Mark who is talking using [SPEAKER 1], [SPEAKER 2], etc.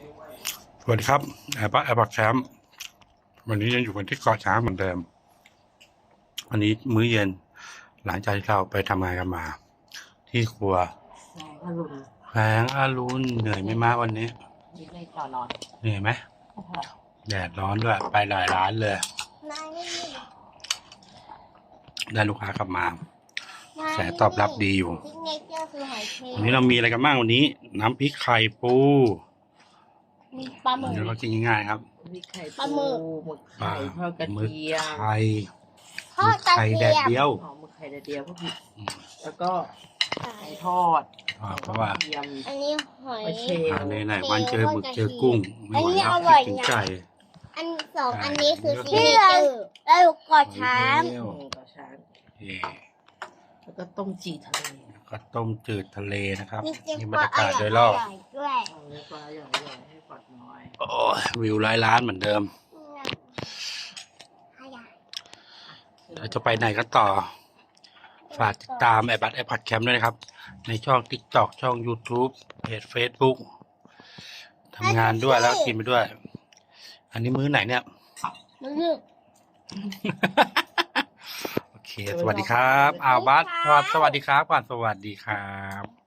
[SPEAKER 1] สวัสดีครับแอร์บักแคมป์วันนี้ยังอยู่กันที่เกาะช้างเหมือนเดิมวันนี้มื้อเย็นหลังจากที่เราไปทำงานกันมา ที่ครัวแสงอรุณเหนื่อยไม่มากวันนี้เหนื่อยไหมแดดร้อนด้วยไปหลายร้านเลยได้ลูกค้ากลับมาแสตอบรับดีอยู่วันนี้เรามีอะไรกันบ้างวันนี้ น้ำพริกไข่ปู
[SPEAKER 2] ปลาหมึก
[SPEAKER 1] เดี๋ยวเรากินง่ายๆครับ
[SPEAKER 3] มีไข่
[SPEAKER 2] ปลาหมึก
[SPEAKER 3] หมึกไข่ทอดกระ
[SPEAKER 1] หมึก
[SPEAKER 3] เทียม
[SPEAKER 1] ไข่
[SPEAKER 2] ทอดกระ
[SPEAKER 1] ไข่
[SPEAKER 2] เที
[SPEAKER 1] แดด
[SPEAKER 2] ยม
[SPEAKER 1] เดียว
[SPEAKER 3] หมึกไข่แดดเดียวพวกนี้แล้วก็ไข่ทอด
[SPEAKER 1] เพราะว่า
[SPEAKER 3] กระเทียม
[SPEAKER 2] อันนี้หอย
[SPEAKER 3] ไม่เชล
[SPEAKER 1] ไหนๆวันเจอหมึกเจอกุ้งไม่ไหวแล้ว
[SPEAKER 2] อันนี้อร่อย
[SPEAKER 1] คิดถึง
[SPEAKER 2] นะ
[SPEAKER 1] ไก่
[SPEAKER 2] อันสองอันนี้คือ
[SPEAKER 1] ที่
[SPEAKER 2] ซี
[SPEAKER 1] เรา
[SPEAKER 2] เจอร์แล้วกอดช้าง
[SPEAKER 1] เร็ว
[SPEAKER 3] กระชาน
[SPEAKER 1] เย่
[SPEAKER 3] แล้วก็ต้มจีทะเล
[SPEAKER 1] ก็ต้มจืดทะเลนะครับ
[SPEAKER 2] มีเจ็บ
[SPEAKER 1] นี่
[SPEAKER 2] ป
[SPEAKER 1] บร
[SPEAKER 2] อ
[SPEAKER 1] ร
[SPEAKER 2] ด
[SPEAKER 1] ยากาศโดยรอบ
[SPEAKER 2] ด้วย
[SPEAKER 3] เอาเนื้อปลาใหญ่ๆให้ปอดน้อย
[SPEAKER 1] โอ้ยวิวร้อยล้านเหมือนเดิมเราจะไปไหนกันต่อ ฝากติดตามแอร์บัตแคมป์ด้วยนะครับ ในช่อง TikTok ช่อง YouTube เพจ Facebook ทำงานด้วยแล้วกินไปด้วย อันนี้มื้อไหนเนี่ย
[SPEAKER 2] มึง
[SPEAKER 1] โอเค สวัสดีครับ บัสสวัสดีครับก่อนสวัสดีครับ